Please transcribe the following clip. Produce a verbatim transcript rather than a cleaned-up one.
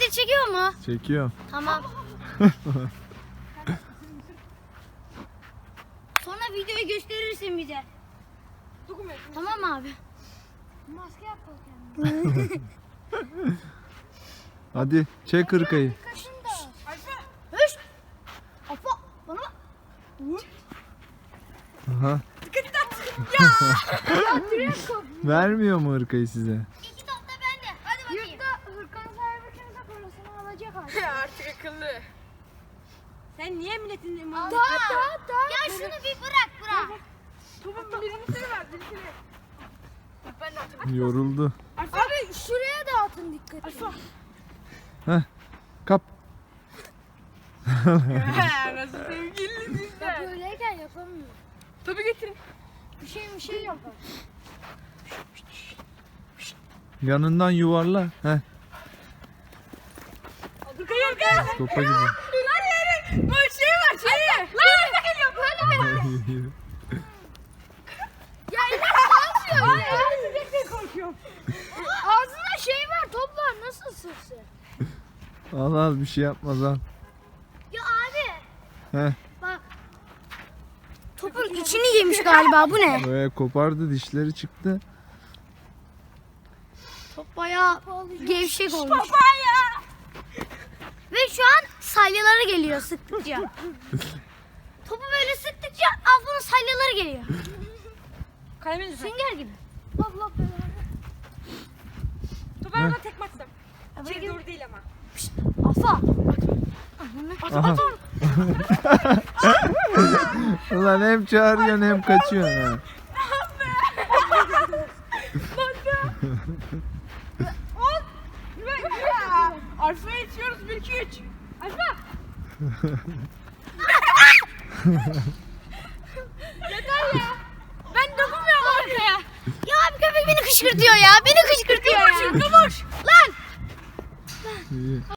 video çekiyor mu? Çekiyorum. Tamam. Sonra videoyu gösterirsin bize. Tamam abi. Maske yap bakayım. Hadi çek hırkayı. Höş. Afa bana bak. Aha. Vermiyor mu hırkayı size? İki top da bende. Hadi bakayım. Yurtta hırkanın sahibi kimse parasını alacak artık. Artık akıllı. Sen niye milletin imanı? Daha daha daha. Ya şunu bir bırak bırak. Topun birini seni ver, birini. Ben de atayım. Yoruldu. Abi şuraya da atın dikkat edin. Heh. Kap. Nasıl sevgiliniz Ya sen? böyleyken yapamıyor. Topu getirin. Bir şey bir şey yapar. Yanından yuvarla. Heh. Hayır gel. Topa gibi. Lan yere. Bu şey var şey. Lan arka geliyor. Böyle mi? Ya ne yapıyor ya? Gerçekten korkuyorum. Ağzında şey var, top var. Nasıl ısırsın? Al al bir şey yapmaz al. Ya abi. Heh. Bak. Topun içini yemiş galiba. Bu ne? Böyle kopardı, dişleri çıktı. Top bayağı gevşek olmuş. Papaya. Ve şu an salyaları geliyor sıktıkça. Topu böyle sıktıkça Afa'nın salyaları geliyor. Kalemin lütfen. Sünger gibi. Allah belanı. Topu ama tekme atsam. İçeri doğru değil ama. Afa. Aha. Ulan hem çağırıyorsun hem kaçıyorsun ha. Alfa'ya içiyoruz bir iki üç. Alfa. Yeter ya. Ben dokunmuyorum arkaya. Ya abi köpek beni kışkırtıyor ya. Beni kışkırtıyor ya. Kıvır. Lan. İyi.